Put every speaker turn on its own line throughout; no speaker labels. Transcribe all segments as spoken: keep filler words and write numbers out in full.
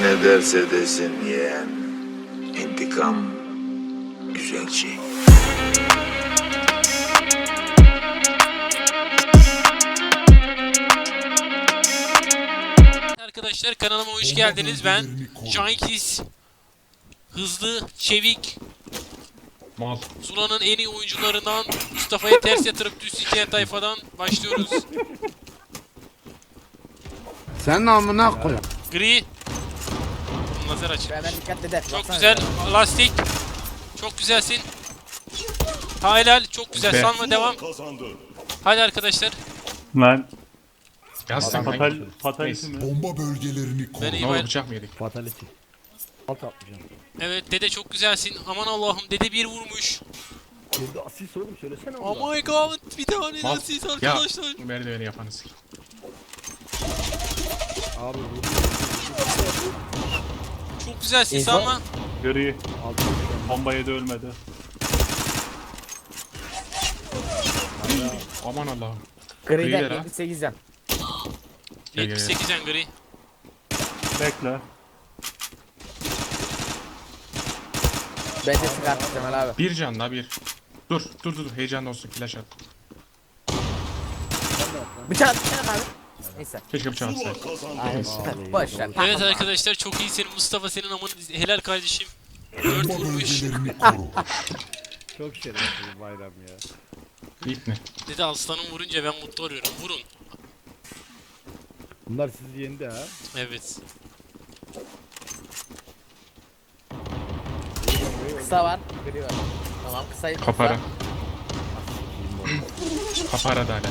ne derse desin yeğen. İntikam güzel şey.
Arkadaşlar kanalıma hoş geldiniz. Ben Cankis. Hızlı, çevik,
Mal.
Zula'nın en iyi oyuncularından Mustafa'ya ters yatırıp düz sikeyen tayfadan başlıyoruz.
Sen namına koy.
Gri. Lazer açık.
Hemen dikkatli de.
Çok güzel. Lastik. Çok güzelsin. Helal. Çok güzel.
Be.
Sanma devam. Hadi arkadaşlar.
Lan
Yaz sen
fatal,
hangi?
fatality mi?
Bomba bölgelerini koru.
Ben
Ne
iyi
oldu,
bayram.
bıçak mı yedik?
Fatality. Alt atlayacağım.
Evet dede çok güzelsin. Aman Allah'ım dede bir vurmuş.
Kendi asis oğlum söylesene
Oh
onu.
my god. Bir tane
Mal.
siz
Ya
arkadaşlar.
merdiveni yapanız.
Abi bu
Çok güzelsin
İnsan-
Sanma.
Gri.
alt atlayacağım.
Bombaya da ölmedi.
Aman Allah'ım.
Gri'de
Gri'ler ha.
yetmiş sekiz yan.
Gel, gel,
yetmiş sekiz en gri.
Bekle.
Ben de çıkarttım Cemal abi.
Bir can la bir. Dur dur dur heyecanlı olsun, flash at.
Bıçak bıçak abi. Neyse.
Keşke bıçak atsaydı.
Aynen. Boş ver.
Evet arkadaşlar çok iyisin Mustafa, senin amanı helal kardeşim. Dört
Bomba
vurmuş.
bölgelerini koru.
Çok şerefsiz bayram ya.
İlk ne?
Dedi aslanım vurunca ben mutlu oluyorum. Vurun.
Bunlar sizi yendi ha.
Evet.
Kısa var. Gri var. Tamam kısayı kısa.
Kapara. Kapara da hala.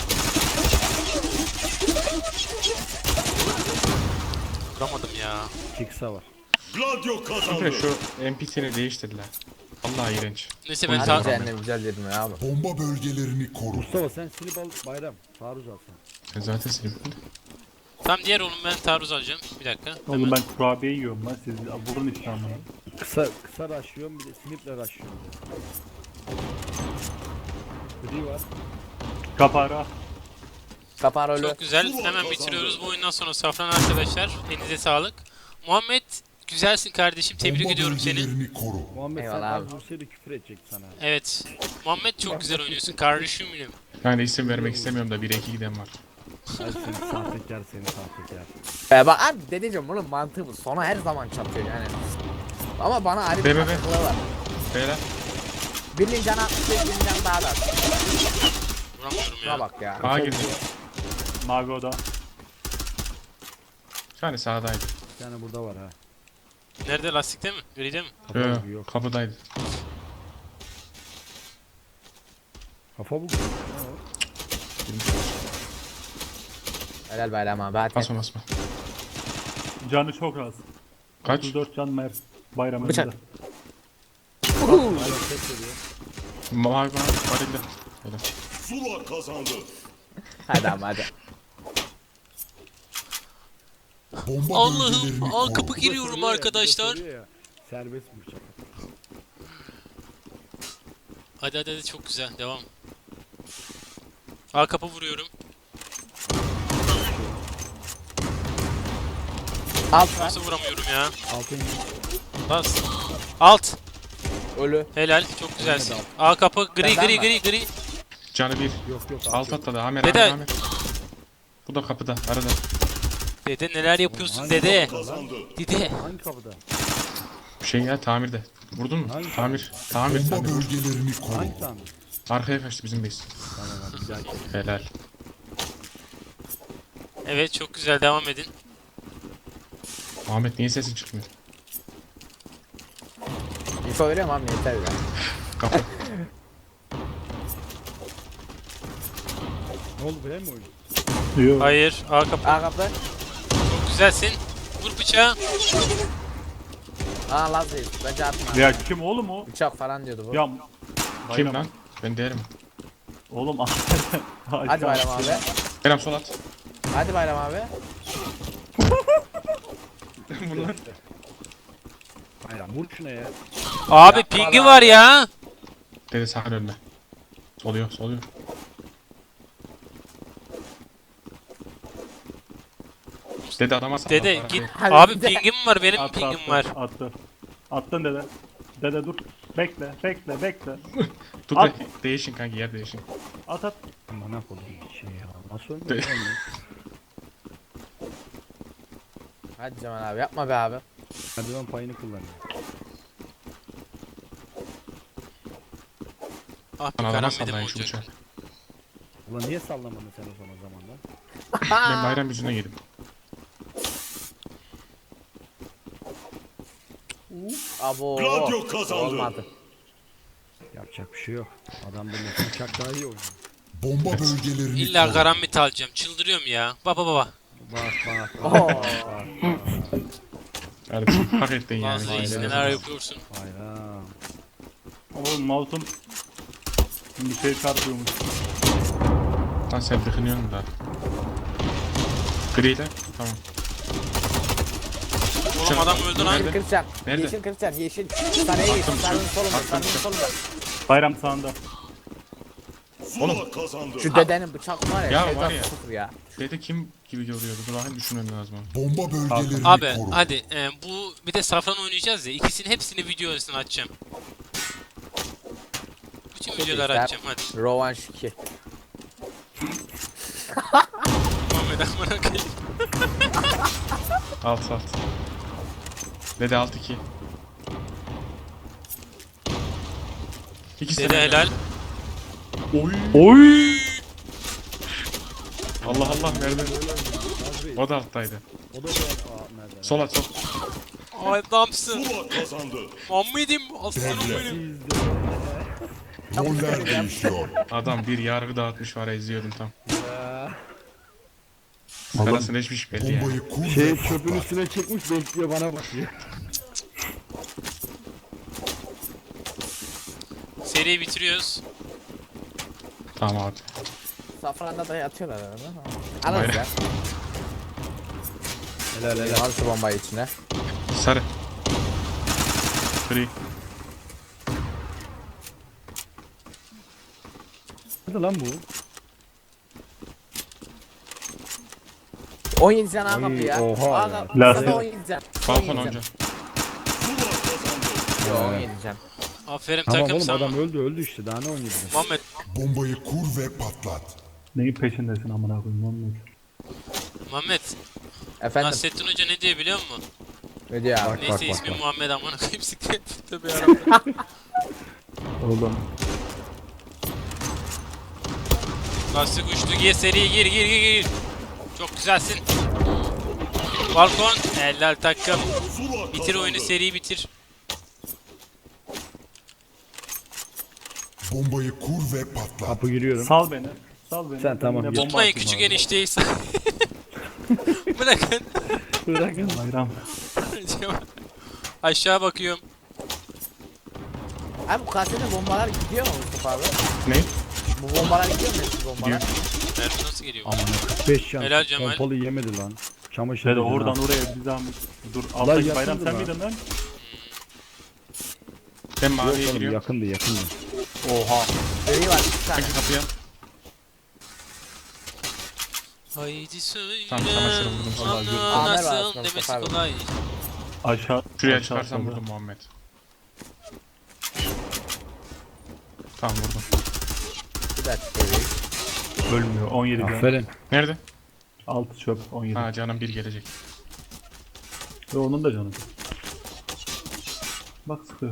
Vuramadım ya.
Kiksa var.
Çünkü şu N P C'ni değiştirdiler. Vallahi iğrenç.
Neyse ben
Hadi
ta
cehennem güzel dedim ya abi.
Bomba bölgelerini koru.
Mustafa sen silip al bayram. Taarruz al sen.
Ben zaten sildim.
tam diğer oğlum ben taarruz alacağım. Bir dakika.
Oğlum ben kurabiye yiyorum lan, siz vurun işte amına.
Kısa kısa raşlıyorum bir de sniple raşlıyorum. Gri var.
Kapara.
Kapar ölü.
Çok güzel. Hemen bitiriyoruz bu oyundan sonra Safran arkadaşlar. Elinize sağlık. Muhammed güzelsin kardeşim. Tebrik
Bomba
ediyorum seni.
bölgelerini koru.
Muhammed sen
Eyvallah
az
abi.
vursaydı küfür edecek sana.
Evet. Muhammed çok güzel oynuyorsun kardeşim benim.
Yani isim vermek istemiyorum da bir iki giden var.
Ay seni sahtekar seni sahtekar.
Ee, bak abi dedeciğim bunun mantığı bu. Sona her zaman çatıyor yani. Ama bana ayrı
Be,
bir
be, be.
mantıklı var.
Beyler.
Birinin canı altmış beş, birinin canı daha da az.
Vuramıyorum
Şuna
ya.
bak ya.
Ağa girdi.
Mago'da.
Yani sağdaydı.
Bir tane burada var ha.
Nerede, lastikte mi? Gride mi?
Kafa
Yo,
bu yok.
kapıdaydı.
Kafa bu.
Helal bayram abi hadi.
Basma basma.
Canı çok az.
Kaç?
otuz dört can mer. Bayram
Bıçak.
önünde.
Mavi var. Varilde. Öyle.
Hadi abi hadi.
Bomba
Allah'ım
bölgelerini
al
koru.
kapı giriyorum arkadaşlar.
Serbest bıçak.
Hadi hadi hadi çok güzel devam. A kapı vuruyorum.
Alt var.
Nasıl vuramıyorum ya?
Altın
Bas. Alt.
Ölü.
Helal çok güzelsin. A kapı gri
Benden
gri
var.
gri gri.
Canı bir.
yok yok.
Alt atladı. Amer
Dede.
Amer Amer. Bu da kapıda. Arada.
Dede neler yapıyorsun dede? Dede.
Hangi kapıda?
Bir şey ya, tamirde. Vurdun mu?
Hangi
Tamir. Tamir.
Bomba
Tamir.
bölgelerini koru.
Hangi tane?
Arkaya kaçtı bizim base.
Tamam hadi bir dahaki.
Helal.
Evet çok güzel devam edin.
Ahmet niye sesin çıkmıyor?
İnfo veriyorum abi yeter ya.
Kapı.
Ne oldu böyle mi oyun?
Yok.
Hayır A kapı.
A kapı.
Çok güzelsin. Vur bıçağı.
Aa Laz değil. Bence atma.
Ya kim oğlum o?
Bıçak falan diyordu bu.
Ya
Kim
Bayram.
lan? Ben değerim.
Oğlum
Hadi bayram abi.
Kerem sol at.
Hadi bayram abi.
Bunlar.
Bayram vur şuna ya.
Abi
Yapma
pingi
lan.
var ya.
Dede sağ önüne. Soluyor, soluyor. Dede adama salla.
Dede
para
git.
değil.
Hadi
Abi
bir de-
pingim var benim
Attı
pingim
attı.
var.
Attı. Attın dede. Dede dur. Bekle bekle bekle.
Tut
At.
da değişin kanki yer değişin.
At at.
Bana koydum şey ya. Nasıl
De-
ölmüyor lan?
Hadi Cemal abi yapma be abi.
Merdiven payını kullanıyor.
Ah bir
Lan adama
karam benim
sallayın şu
olacak.
bıçağı.
Ulan niye sallamadın sen o zaman zamanda?
Ben bayram yüzüne yedim.
Abo.
Gladio kazandı.
Olmadı.
Yapacak bir şey yok. Adam da uçak daha iyi oynuyor.
Bomba bölgelerini
İlla
koru.
karambit alacağım. Çıldırıyorum ya. Baba baba.
Bak bak.
Oo.
Kardeşim hak ettin yani.
Bazı reis neler yapıyorsun.
Bayram.
Oğlum mouse'um bir şey çarpıyormuş.
Lan sen tıkınıyorsun da. Griyle. Tamam.
Oğlum adam öldü lan.
Yeşil kırçan.
Nerede?
Yeşil kırçan. Yeşil. Sana yeşil. Sarının solunda. Sarının solunda.
Bayram sağında.
Zula kazandı.
Şu dedenin bıçak var ya.
Ya
şeytan
var ya.
sıfır ya.
Dede kim gibi görüyordu? Dur bakayım düşünmem lazım.
Bomba bölgelerini
Abi
koru.
hadi e, bu bir de safran oynayacağız ya. İkisini hepsini video arasına açacağım. Bütün videoları
işte.
açacağım hadi.
Rovanş iki.
Muhammed amına koyayım.
Alt alt. Dede alt iki. İkisi
Dede
de
helal.
Oy.
Oy!
Allah Allah nerede? O da alttaydı.
O da böyle aa merdiven.
Sol at sol.
Adamsın.
Zula kazandı.
Muhammed'im aslanım
Devre.
benim.
Roller değişiyor.
Adam bir yargı dağıtmış var ya izliyordum tam. Karasını içmiş belli ya.
Bombayı kur
Şey
ve
çöpün
patlat.
üstüne çekmiş bekliyor bana bakıyor.
Seriyi bitiriyoruz.
Tamam abi.
Safranda da yatıyorlar arada. Alırız ya.
Helal helal.
Al şu bombayı içine.
Sarı. Gri.
Hadi lan bu.
on yedi can al
Oy,
kapı ya.
oha
Al
ya.
kapı.
Lastik.
on yedi can.
Balkon onca.
Zula kazandı.
Yo, on yedi can.
Aferin
Tamam
takım
oğlum
sana.
adam öldü öldü işte daha ne oynuyor?
Muhammed
Bombayı kur ve patlat.
Neyin peşindesin amına koyayım Muhammed?
Muhammed
Efendim.
Nasrettin Hoca ne diyor biliyor musun?
Ne diyor abi?
Bak
Neyse
bak bak.
ismi
bak.
Muhammed amına koyayım siktir. Tabii yarabbim.
Oğlum.
Lastik uçtu gir seriye gir gir gir gir. Çok güzelsin. Balkon helal takım.
Zula
Bitir
kazandı.
oyunu seriyi bitir.
Bombayı kur ve patlat.
Kapı giriyorum.
Sal beni. Sal beni.
Sen tamam,
Yine
yut.
bomba
Tutmayın
atayım
küçük
abi.
enişteyi. Bırakın.
Bırakın.
Bayram.
Aşağı bakıyorum.
Abi bu kasete bombalar gidiyor mu Mustafa abi?
Ne?
Bu bombalar gidiyor mu eski bombalar?
Mermi nasıl geliyor?
beş can.
Helal Cemal.
Pompalı yemedi lan. Çamaşır.
Şöyle
yedi
oradan
lan.
oraya bir zahmet. Dur alttaki bayram
yakındı
sen
lan.
miydin lan?
Ben
Yok
maviye
oğlum
giriyorum.
yakındı yakındı.
Oha.
Gri var bir tane.
Kanki kapıya.
Haydi söyle.
Tamam, çamaşırı vurdum sana.
Ana
Amer var
nasıl
aslında
demesi
Mustafa abi.
kolay.
Aşağı.
Şuraya
aşağı
çıkarsam
solda.
vurdum Muhammed. Tamam vurdum.
Bir dakika. Gri.
Ölmüyor. on yedi can.
Aferin.
Nerede?
altı çöp. on yedi.
Ha canım bir gelecek.
Ve onun da canı. Bak sıkıyor.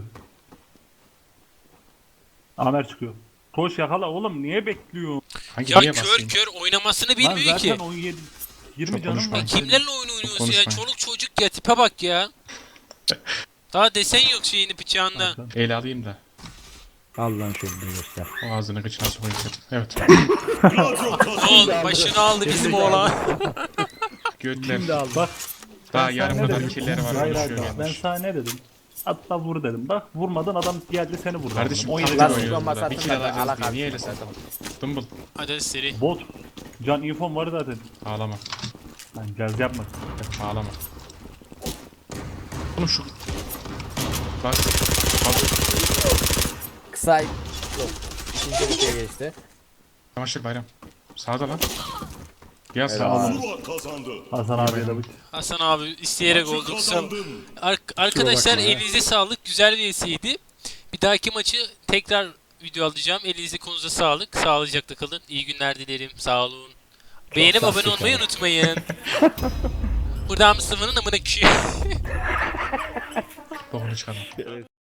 Amer çıkıyor. Koş yakala oğlum niye bekliyor?
Hangi
Ya
niye
kör
basayım?
kör oynamasını
Lan
bilmiyor
zaten
ki.
on yedi. yirmi
Çok
canım
konuşma.
var.
Ya kimlerle oyun oynuyorsun ya?
Konuşmayın.
Çoluk çocuk ya tipe bak ya. Daha desen yok şeyini bıçağında.
El alayım da.
Al lan şöyle bir göster.
O ağzını kıçına sokayım dedim. Evet.
Gladio
Ne
kazandı.
oldu? Başını aldı bizim oğlan.
Götler.
Şimdi al.
Bak.
Daha
ben
yarım
sana ne
kadar
dedim?
killeri var.
Hayır, hayır,
konuşuyor
bak, ben
yanlış.
sana ne dedim? Hatta vur dedim. Bak vurmadan adam geldi seni vurdu.
Kardeşim
on yedi
taktik
Lan
can.
oynuyor.
oynuyoruz
bombası
burada. Bir
atın
kill
ben de
alacağız
alak
diye. Niye öyle
atayım.
sen? Dımbıl.
Hadi hadi seri.
Bot. Can infom var zaten.
Ağlama.
Lan gaz yapma.
Ağlama. Oğlum şu... Bak. Bak.
Kısa. Yok. İkinci ülkeye geçti.
Çamaşır bayram. Sağda lan. Ya sağ olun.
Zula kazandı.
Hasan abiye de bu.
Hasan abi isteyerek
Maçı
olduk. Sağ-
kazandın.
Ar- arkadaşlar elinize sağlık. Güzel bir vsiydi. Bir dahaki maçı tekrar video alacağım. Elinize konuza sağlık. Sağlıcakla kalın. İyi günler dilerim. Sağ olun. Beğenip abone olmayı unutmayın. Buradan Mustafa'nın amına küçüğü.
Bokunu çıkarma.